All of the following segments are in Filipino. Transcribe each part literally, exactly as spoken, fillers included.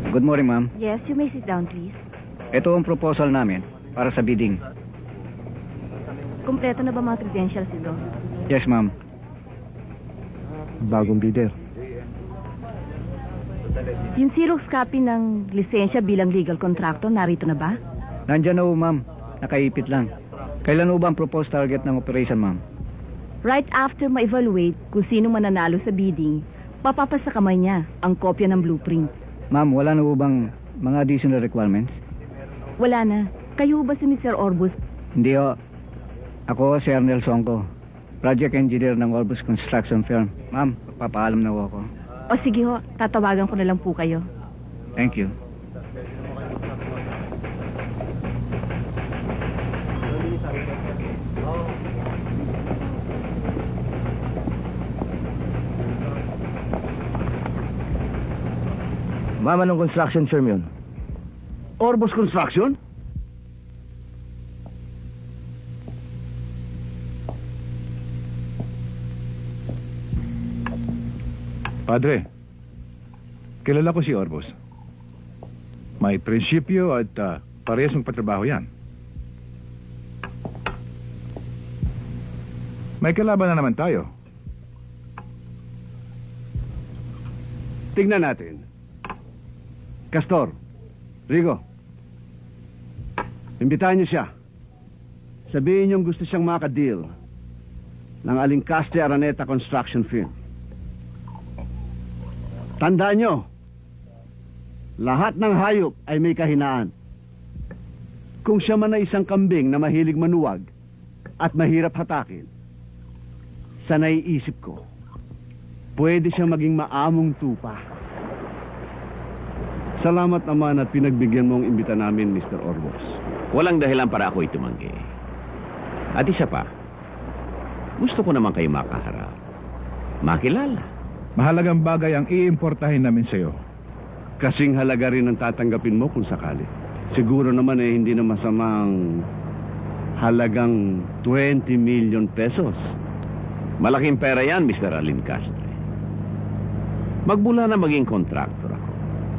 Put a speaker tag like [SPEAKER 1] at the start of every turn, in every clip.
[SPEAKER 1] Good morning, ma'am.
[SPEAKER 2] Yes, you may sit down, please.
[SPEAKER 1] Ito ang proposal namin para sa bidding.
[SPEAKER 2] Kumpleto na ba mga credentials ito?
[SPEAKER 1] Yes, ma'am.
[SPEAKER 3] Bagong bidder.
[SPEAKER 2] Yung Xerox copy ng lisensya bilang legal contractor, narito na ba?
[SPEAKER 1] Nandyan na ho, ma'am. Nakaipit lang. Kailan ho ba ang proposed target ng operation, ma'am?
[SPEAKER 2] Right after ma-evaluate kung sino mananalo sa bidding, papapasa kamay niya ang kopya ng blueprint.
[SPEAKER 1] Ma'am, wala na ho bang mga additional requirements?
[SPEAKER 2] Wala na. Kayo ba si Mister Orbus?
[SPEAKER 1] Hindi ho. Ako, si Arnel Songko. Project engineer ng Orbus Construction Firm. Ma'am, papaalam na ho ako.
[SPEAKER 2] O sige ho, tatawagan ko na lang po kayo.
[SPEAKER 1] Thank you.
[SPEAKER 3] Ma'am, anong construction firm yun?
[SPEAKER 4] Orbus Construction?
[SPEAKER 5] Padre, kilala ko si Orbus. May prinsipyo at uh, parehas magpatrabaho yan. May kalaban na naman tayo.
[SPEAKER 4] Tignan natin. Castor, Rigo, imbitahan niyo siya. Sabihin niyong gusto siyang maka-deal ng Alincaste Araneta Construction Firm. Tandaan niyo, lahat ng hayop ay may kahinaan. Kung siya man ay isang kambing na mahilig manuwag at mahirap hatakin, sa naiisip ko, pwede siyang maging maamong tupa. Salamat naman at pinagbigyan mo ang imbita namin, Mister Orbos.
[SPEAKER 6] Walang dahilan para ako'y tumanggi. At isa pa, gusto ko naman kayo makaharap. Makilala.
[SPEAKER 5] Mahalagang bagay ang iimportahin namin sa'yo.
[SPEAKER 4] Kasing halaga rin ang tatanggapin mo kung sakali. Siguro naman eh hindi na masamang halagang twenty million pesos.
[SPEAKER 6] Malaking pera yan, Mister Alincastre. Magmula na maging kontraktor ako.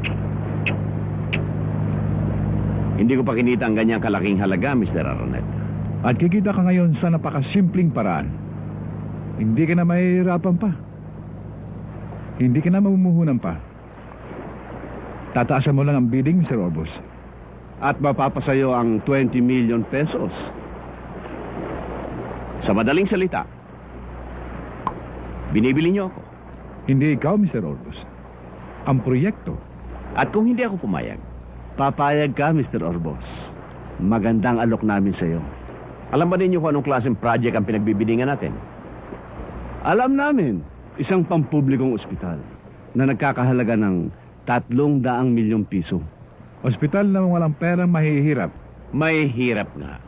[SPEAKER 6] Hindi ko pa kinita ang ganyang kalaking halaga, Mister Araneta.
[SPEAKER 5] At kikita ka ngayon sa napakasimpleng paraan. Hindi ka na mahihirapan pa. Hindi ka na mamumuhunan pa. Tataasan mo lang ang bidding, Mister Orbus.
[SPEAKER 4] At mapapasayo ang twenty million pesos.
[SPEAKER 6] Sa madaling salita, binibili niyo ako.
[SPEAKER 5] Hindi ikaw, Mister Orbus. Ang proyekto.
[SPEAKER 6] At kung hindi ako pumayag,
[SPEAKER 4] Papayag ka, Mister Orbos. Magandang alok namin sa'yo.
[SPEAKER 6] alam ba ninyo kung anong klaseng project ang pinagbibidingan natin?
[SPEAKER 4] Alam namin, isang pampublikong ospital na nagkakahalaga ng tatlong daang milyong piso.
[SPEAKER 5] Ospital na walang perang mahihirap.
[SPEAKER 6] May hirap nga.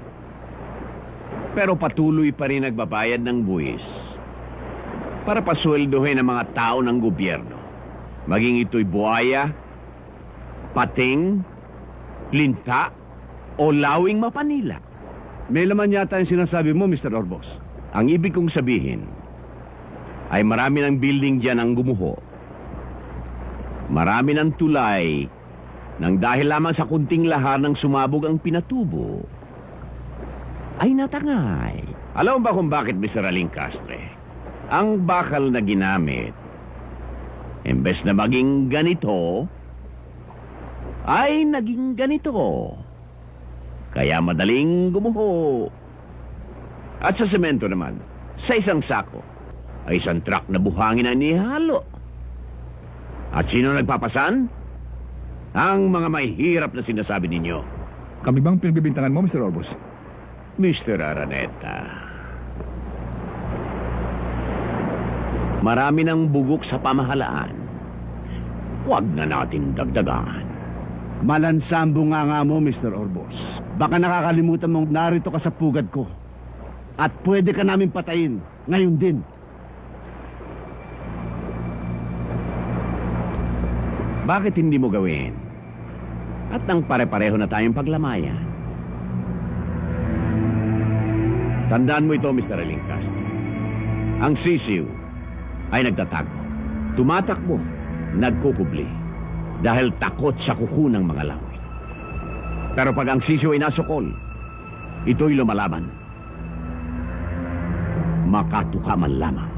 [SPEAKER 6] Pero patuloy pa rin nagbabayad ng buwis para pasweldohin ang mga tao ng gobyerno. Maging ito'y buhaya, pating, linta, o lawing mapanila.
[SPEAKER 4] May laman yata yung sinasabi mo, Mister Orbos.
[SPEAKER 6] Ang ibig kong sabihin ay marami ng building dyan ang gumuho. Marami ng tulay nang dahil lamang sa kunting lahar ng sumabog ang pinatubo ay natangay. Alam mo ba kung bakit, Mister Alincastre? Ang bakal na ginamit, imbes na maging ganito, ay naging ganito. Kaya madaling gumuho. At sa semento naman, sa isang sako, ay isang truck na buhangin ang nihalo. At sino nagpapasan? Ang mga mahihirap na sinasabi ninyo.
[SPEAKER 5] Kami bang pinagbibintangan mo, Mister Orbus?
[SPEAKER 6] Mister Araneta, marami ng bugok sa pamahalaan. Huwag na natin dagdagan.
[SPEAKER 4] Malansambo nga nga mo, Mister Orbos. Baka nakakalimutan mong narito ka sa pugad ko. At pwede ka namin patayin. Ngayon din.
[SPEAKER 6] Bakit hindi mo gawin? At nang pare-pareho na tayong paglamayan. Tandaan mo ito, Mister Alincastre. Ang sisiw ay nagtatago. Tumatakbo, nagkukubli. dahil takot sa kuko ng mga laway. Pero pag ang sisiw ay nasukol, ito'y lumalaban. Makatuka man lamang.